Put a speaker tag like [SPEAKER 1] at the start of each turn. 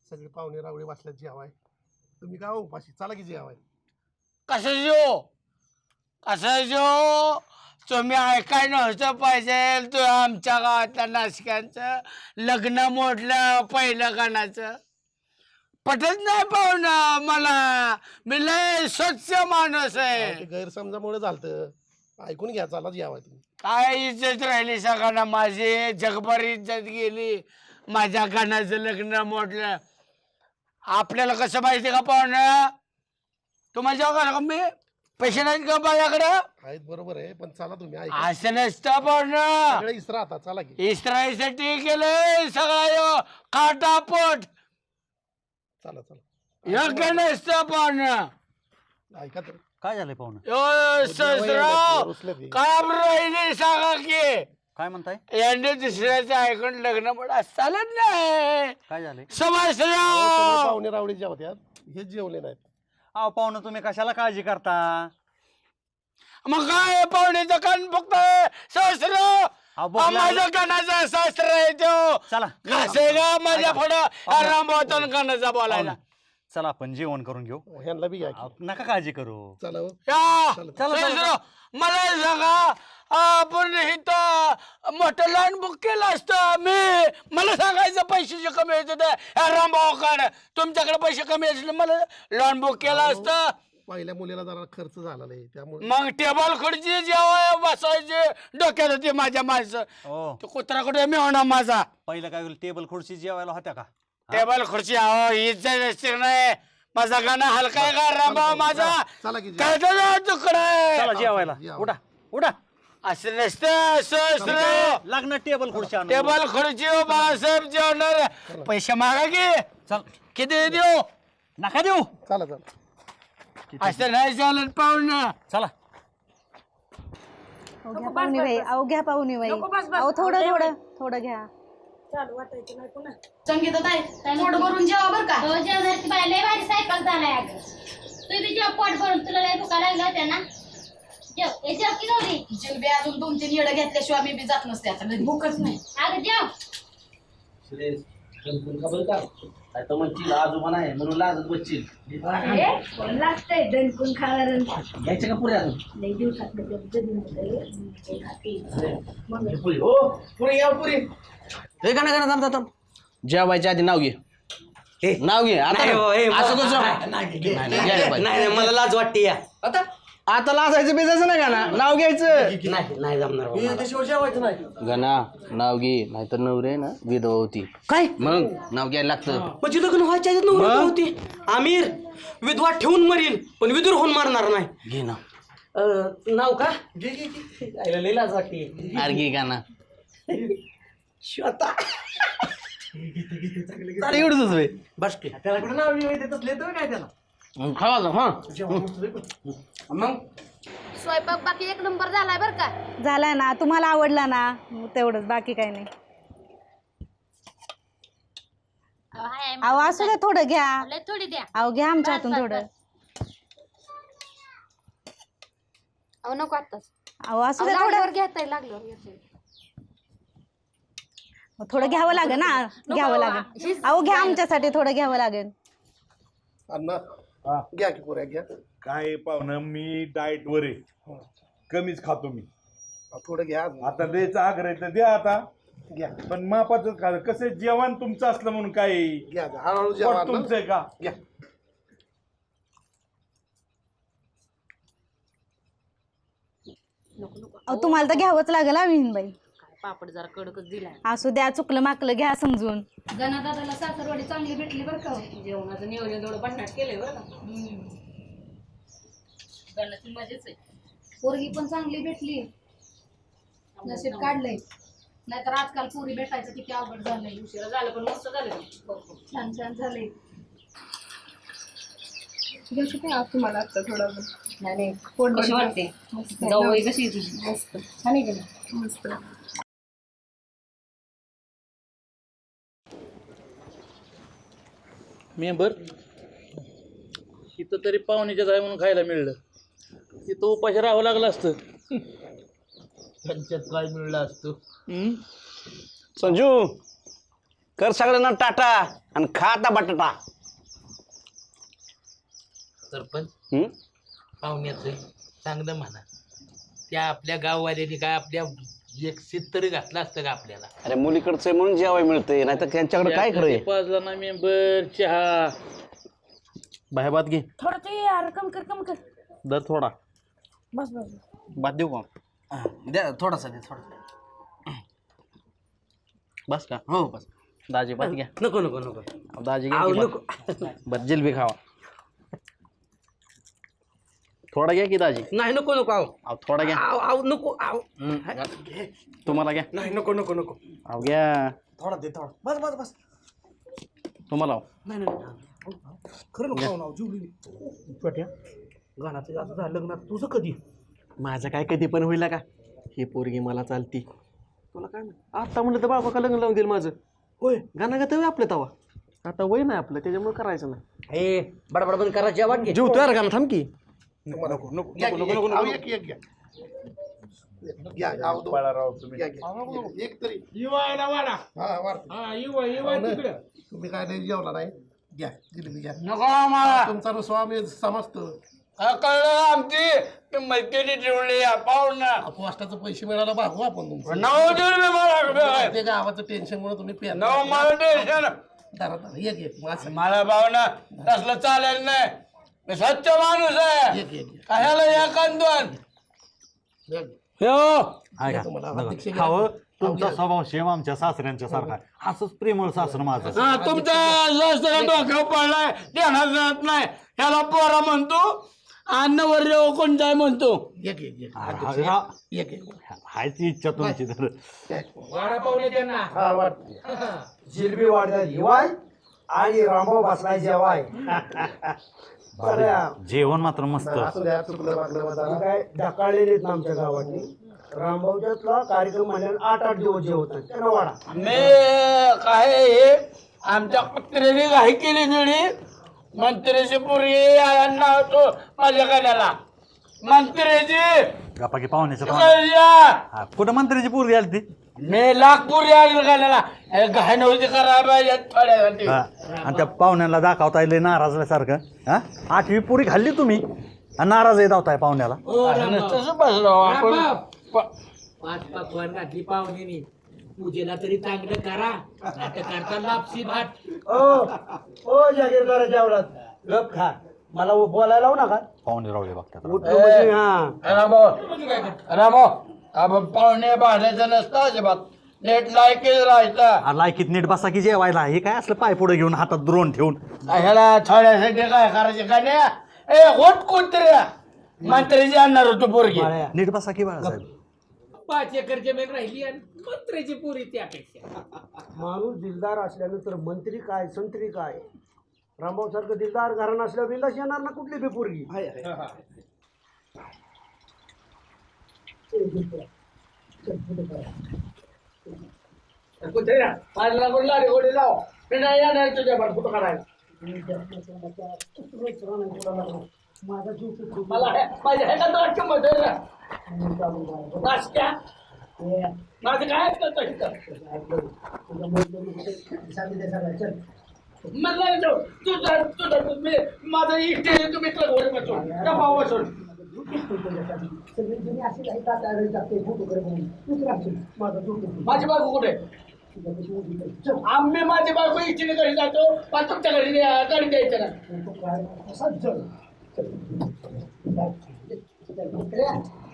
[SPEAKER 1] सगळे पाहुणे रावळे वाचल्यात जेवाय. तुम्ही काय उपाशी चला की जेवाय.
[SPEAKER 2] कशाचो तुम्ही ऐकाय नव्हतं पाहिजे. तू आमच्या गावातल्या नाशिकांचं लग्न मोडलं पहिलं गाण्याचं. पटत नाही पाहुणं मला. मी लय स्वच्छ माणूस आहे.
[SPEAKER 1] ते गैरसमजामुळे झालं. ऐकून घ्या चला जेवाय तुम्ही.
[SPEAKER 2] काय इज्जत राहिली सगळ्यांना माझी. जगभर इज्जत गेली. माझ्या गाण्याचं लग्न मोडलं. आपल्याला कसं माहिती का पाहुणं. तुम्हाला जेव्हा का मी पैसे नाहीत का माझ्याकडं.
[SPEAKER 1] आहेत बरोबर आहे पण चला तुम्ही ऐका.
[SPEAKER 2] असं नसतं पाहुणं.
[SPEAKER 1] सगळे इसरा आता चला की.
[SPEAKER 2] इस्राईलसाठी केलंय सगळं काटापोट.
[SPEAKER 1] चला चला
[SPEAKER 2] योग्य नसतं पाहुणं.
[SPEAKER 1] ऐका तर.
[SPEAKER 3] काय झालंय पाहुणं?
[SPEAKER 2] ससराव काय राहिली सांगा की.
[SPEAKER 3] काय म्हणताय?
[SPEAKER 2] यांनी दुसऱ्याचं ऐकून लग्न पण चालत नाही.
[SPEAKER 3] काय झालंय?
[SPEAKER 2] समजराव
[SPEAKER 1] पाहुणे रावळे जेवत्यात हे जेवले नाहीत.
[SPEAKER 3] अहो पाहुणं तुम्ही कशाला काळजी करता?
[SPEAKER 2] मग काय पाहुण्याचं कान फक्त सहस्राव माझ्या कानाचा शास्त्र आहे तो.
[SPEAKER 3] चला
[SPEAKER 2] घासे का माझ्या पुढं रामभावतान कानाचा बोलायला.
[SPEAKER 3] चला आपण जेवण करून घेऊ.
[SPEAKER 1] ह्यांना बी घ्या की.
[SPEAKER 3] नका काळजी करू.
[SPEAKER 1] चला हो.
[SPEAKER 2] या
[SPEAKER 1] चला.
[SPEAKER 2] सहस्राव मला सांगा आपण इथं मोठं लॉन बुक केलं असतं मी. मला सांगायचं पैशाचे कमी होते रामभाऊकडे. तुमच्याकडे पैसे कमी असले मला लॉन बुक केलं असतं.
[SPEAKER 1] पहिल्या मुलीला जरा खर्च झाला नाही त्यामुळे.
[SPEAKER 2] मग टेबल खुर्ची जेव्हा बसायचे डोक्यात होते माझ्या माणसं.
[SPEAKER 3] हो
[SPEAKER 2] तो कुत्रा कुठे मी होणार माझा.
[SPEAKER 3] पहिलं काय होईल? टेबल खुर्ची जेवायला होत्या का?
[SPEAKER 2] टेबल खुर्ची अहो इज्जत असते नाही. माझा गाणं हलका आहे का रामभाऊ माझा.
[SPEAKER 1] चला की
[SPEAKER 2] काय तुकडा
[SPEAKER 3] चला जेवायला. उठा उठा.
[SPEAKER 2] असं नसतं सहस्राव.
[SPEAKER 3] लग्न टेबल खुर्ची आणू.
[SPEAKER 2] टेबल खुर्ची बाळासाहेब जेवणार. पैसे मागा की.
[SPEAKER 3] चल.
[SPEAKER 2] किती देऊ.
[SPEAKER 3] नका देऊ.
[SPEAKER 1] चला चला.
[SPEAKER 2] असं नाही चालत पाहुणं.
[SPEAKER 3] चला
[SPEAKER 4] घ्या पाहुणे बाई. अहो घ्या पाहुणे बाई. अहो थोडं थोडं थोडं घ्या.
[SPEAKER 5] संगीताताई पोट भरून जेवा बर का. हो जेवणार ती बाई लय भारी सायकल झालाय अगं. तू बी जेव पोट भरून. तुला लय भुका लागल्या होत्या ना. जेव हे जेव की गौरी.
[SPEAKER 6] जिलबी अजून 2-3 येडं घेतल्याशिवाय मी बी जात नसते आता घरी.
[SPEAKER 5] भूकच नाही अगं जेव.
[SPEAKER 7] आता म्हणशील आजोबा नाही म्हणून लाजत बसशील.
[SPEAKER 5] कोण लागतंय दणकून खाणार.
[SPEAKER 7] घ्यायचं का पुढे अजून
[SPEAKER 5] लय दिवसात
[SPEAKER 7] पुरी हो पुरी या पुरी.
[SPEAKER 8] हे का नाही थांब. जेवायच्या आधी नाव घे. नाव घे आता. असं कसं
[SPEAKER 7] नाही मला लाज वाटते या.
[SPEAKER 8] आता लाजायचं बेजायचं नाही गाणा. नाव घ्यायचं.
[SPEAKER 7] नाही जमणार.
[SPEAKER 8] गणा नाव घे नाहीतर नवरे ना विधवा होती.
[SPEAKER 7] काय
[SPEAKER 8] मग नाव घ्यायला लागतं.
[SPEAKER 7] म्हणजे लग्न व्हायच्या आधीच नवरा होती. आमिर विधवा ठेवून मरील पण विदूर होऊन मारणार नाही.
[SPEAKER 8] घे ना.
[SPEAKER 7] नाव का लय लाज वाटते.
[SPEAKER 8] अरे घे गाणा.
[SPEAKER 7] स्वतः
[SPEAKER 8] एवढंच
[SPEAKER 7] बस की त्याला कुठं नाव देत असले तर काय त्याला.
[SPEAKER 8] खावा हा.
[SPEAKER 7] मग
[SPEAKER 5] स्वयंपाक बाकी एक नंबर झालाय बर का.
[SPEAKER 4] झालाय ना. तुम्हाला आवडला ना तेवढंच. बाकी काही नाही. अहो असू द्या थोडं घ्या.
[SPEAKER 5] लय थोडी द्या.
[SPEAKER 4] अहो घ्या आमच्या हातून थोडं.
[SPEAKER 5] अहो नको आताच.
[SPEAKER 4] अहो असू द्या थोडं.
[SPEAKER 5] घेताय लागल्यावर
[SPEAKER 4] थोडं घ्यावं लागेल ना. घ्यावं लागेल. अहो घ्या आमच्यासाठी थोडं घ्यावं लागेल.
[SPEAKER 1] अण्णा घ्या की पुऱ्या घ्या.
[SPEAKER 9] काय पाहुणं मी डाएट वर आहे. कमीच खातो मी.
[SPEAKER 1] थोडं घ्या अजून.
[SPEAKER 9] आता द्यायचा आग्रह तर द्या आता.
[SPEAKER 1] घ्या
[SPEAKER 9] पण मापाचं खा. कसं जेवण तुमचं असलं म्हणून काय
[SPEAKER 1] घ्या हळूहळू जेवा
[SPEAKER 9] पोट
[SPEAKER 1] अण्णा.
[SPEAKER 9] तुमचं आहे का.
[SPEAKER 1] घ्या.
[SPEAKER 4] अहो तुम्हाला तर घ्यावंच लागेल हा विहीनबाई.
[SPEAKER 6] पापड जरा कडकच दिलाय.
[SPEAKER 4] असू द्या चुकलं माकलं घ्या समजून.
[SPEAKER 5] गणादादाला सासरवाडी चांगली भेटली बर का.
[SPEAKER 6] जेवणाचं नियोजन थोडं भन्नाट केलंय बरं का. गणाची मजेच आहे.
[SPEAKER 5] पोरगी पण चांगली भेटली. नशीब काढलंय. नाहीतर आजकाल पोरी भेटायचं किती अवघड झालंय.
[SPEAKER 6] उशिरा झालं पण मस्त झालं.
[SPEAKER 5] छान छान झालंय.
[SPEAKER 6] तुम्हाला आता थोडं नाही पोट कशी वाटते. जाऊ कशी मस्त छान आहे का. मस्त.
[SPEAKER 7] मेंबर इथं तरी पाहुण्याच्या जाय म्हणून खायला मिळलं. तिथं उपाशी राहावं लागलं असतं. त्यांच्यात काय मिळलं असतं.
[SPEAKER 8] संजू कर सगळ्यांना टाटा आणि खा आता बटाटा.
[SPEAKER 7] सरपंच
[SPEAKER 8] हम्म?
[SPEAKER 7] पाहुण्याचं चांगलं म्हणा. त्या आपल्या गाववाल्याने काय आपल्या एक सीट तरी घातलं असतं का आपल्याला.
[SPEAKER 8] अरे मुलीकडचं म्हणून जेवाय मिळतंय नाही तर त्यांच्याकडे काय खरंय.
[SPEAKER 7] 5 जण मेंबर चहा
[SPEAKER 3] बाहेर भात घे.
[SPEAKER 6] थोडं ते यार कम कर
[SPEAKER 3] दर थोडा
[SPEAKER 6] बस
[SPEAKER 3] भात देऊ का?
[SPEAKER 8] द्या थोडासा दे थोडा.
[SPEAKER 3] बस का?
[SPEAKER 8] हो बस.
[SPEAKER 3] दाजी भात घ्या.
[SPEAKER 8] नको नको नको.
[SPEAKER 3] दाजी
[SPEAKER 8] आव,
[SPEAKER 3] घ्या
[SPEAKER 8] नको.
[SPEAKER 3] बस जिलबी खावा. थोडा घ्या की दाजी.
[SPEAKER 8] नाही नको नको आव.
[SPEAKER 3] अहो थोडा घ्या.
[SPEAKER 8] आव आव नको आव.
[SPEAKER 3] तुम्हाला घ्या.
[SPEAKER 8] नाही नको नको नको.
[SPEAKER 3] अहो घ्या.
[SPEAKER 8] थोडा दे थोडा. बस बस बस.
[SPEAKER 3] तुम्हाला अहो.
[SPEAKER 8] नाही नाही खरं नको नाव जीवली. छोट्या गाण्याचं जास्त झालं लग्नात तुझं कधी.
[SPEAKER 3] माझं काय कधी पण होईल का? ही पोरगी मला चालती. तुला काय आता म्हणलं तर बाबा का लग्न लावून देईल माझं.
[SPEAKER 8] होय
[SPEAKER 3] गाणं गात आपलं तवा. आता वय नाही आपलं त्याच्यामुळे करायचं नाही.
[SPEAKER 8] ए बडबड बंद करा जेवण घे.
[SPEAKER 3] जीव तयार गाणं थांब की.
[SPEAKER 1] नको नको नको नको एक एक घ्या. घ्या आव दो.
[SPEAKER 9] बाळाराव तुम्ही
[SPEAKER 1] घ्या घ्या. एक तरी
[SPEAKER 2] युवायला वाडा.
[SPEAKER 1] हा वाढ.
[SPEAKER 2] हा युवा तिकडे.
[SPEAKER 1] तुम्ही काय नाही जेवला नाही घ्या जिलेबी घ्या.
[SPEAKER 2] नको आम्हाला.
[SPEAKER 1] तुमचा रुसवा आम्ही समजतो.
[SPEAKER 2] कळलं आमची मैत्रिणी ठेवली पाहुणा.
[SPEAKER 1] पोस्टाचे पैसे मिळायला भागू आपण तुमचं.
[SPEAKER 2] 9 दिवस मला
[SPEAKER 1] ते गावाचं टेन्शन मुळे तुम्ही पेर.
[SPEAKER 2] 9 मला टेन्शन.
[SPEAKER 1] दारा एक एक माणसं.
[SPEAKER 2] मला भावना तसलं चालेल नाही. मी स्वच्छ माणूस आहे.
[SPEAKER 1] एक एक
[SPEAKER 2] कशाला या कांदोन.
[SPEAKER 1] घ्या.
[SPEAKER 3] आहे
[SPEAKER 1] तुम्हाला
[SPEAKER 3] का?
[SPEAKER 1] अध्यक्ष घ्या.
[SPEAKER 3] खावं तुमचा स्वभाव सेम आमच्या सासऱ्यांच्या सारखा आहे. असंच प्रेमळ सासर माझं.
[SPEAKER 2] हा तुमचा सासरा डोक्यावर पडलाय ध्यानात जात नाही. ह्याला पोरा म्हणतो अन्नवर कोण जाय म्हणतो.
[SPEAKER 1] एक एक एक
[SPEAKER 3] हा,
[SPEAKER 1] एक एक
[SPEAKER 3] हायची इच्छा तुमची तर.
[SPEAKER 2] वाडा पाहुणे त्यांना.
[SPEAKER 1] हा वाट.
[SPEAKER 10] जिलबी वाढतात हिवाय आणि रामभाऊ बसलाय जेवाय.
[SPEAKER 3] जेवण मात्र मस्त.
[SPEAKER 1] असू द्या चुकलं वागलं माझा.
[SPEAKER 10] काय ढकाळलेले आहेत ना आमच्या गावातली. रामभाऊच्यातला कार्यक्रम म्हणल्यावर 8-8 दिवस जेवतात त्यांना वाडा.
[SPEAKER 2] मी काय हे आमच्या कुत्र्याने घाई केली थोडी. मंत्र्याची पोरगी होतो माझ्या गाण्याला. मंत्र्याची
[SPEAKER 3] गप्पा की पाहुण्याचं
[SPEAKER 2] कळल्या.
[SPEAKER 3] कुठं मंत्र्याची पोरगी आली ती.
[SPEAKER 2] मी लाख पोरी आली गाण्याला. घाई नव्हती करा पाहिजे थोड्यासाठी.
[SPEAKER 3] आणि त्या पाहुण्याला दाखवता येईल नाराजल्यासारखं. हा 8वी पुरी खाल्ली तुम्ही आणि नाराज येत होताय पाहुण्याला.
[SPEAKER 2] तसं बसलो आपण.
[SPEAKER 7] 5 पकवान घातली पाहुण्यानी. पूजेला तरी चांगलं करा. आता करता लापसी भात.
[SPEAKER 10] ओ जागीरदार जेवणात गप खा. मला बोलायला लावू नका.
[SPEAKER 3] पाहुणे राहू दे बघतात.
[SPEAKER 10] उठलो म्हणजे हा.
[SPEAKER 2] रामो आपण पाहुणे भांडायचं नसतं अजिबात. नेट लायकीच राहायचं.
[SPEAKER 3] लायकीत नीट बसा की जेवायला. हे काय असलं पाय पुढे घेऊन हातात द्रोण ठेवून.
[SPEAKER 2] ह्याला थोड्यासाठी काय करायचे गाण्या. ए होत कुत्र्या. मंत्र्याची आणणार होतो पोरगी.
[SPEAKER 3] नीट बसा की बाळासाहेब.
[SPEAKER 7] 5 एकर जमीन राहिली आणि मंत्र्याची पुरी त्यापेक्षा.
[SPEAKER 10] माणूस दिलदार असल्यानंतर मंत्री काय संत्री काय. रामभाऊ सारखं दिलदार घराणं असल्यावर बिंदास येणार ना कुठली बी पोरगी.
[SPEAKER 2] कुत्र्या माझ्या लाडी गोडी लाव. मी नाही येणार तुझ्या पण कुठं करायला. मला माझ्या ह्याच्यात वाटतं मदर नाश्त्या. माझं काय मला तुझं मी माझं इष्ट तुम्ही घर बसून डबा बसून. माझी बायको कुठे. आम्ही माझी बायको इच्छेने घरी जातो. पण तुमच्या घरी गाडी द्यायचं ना.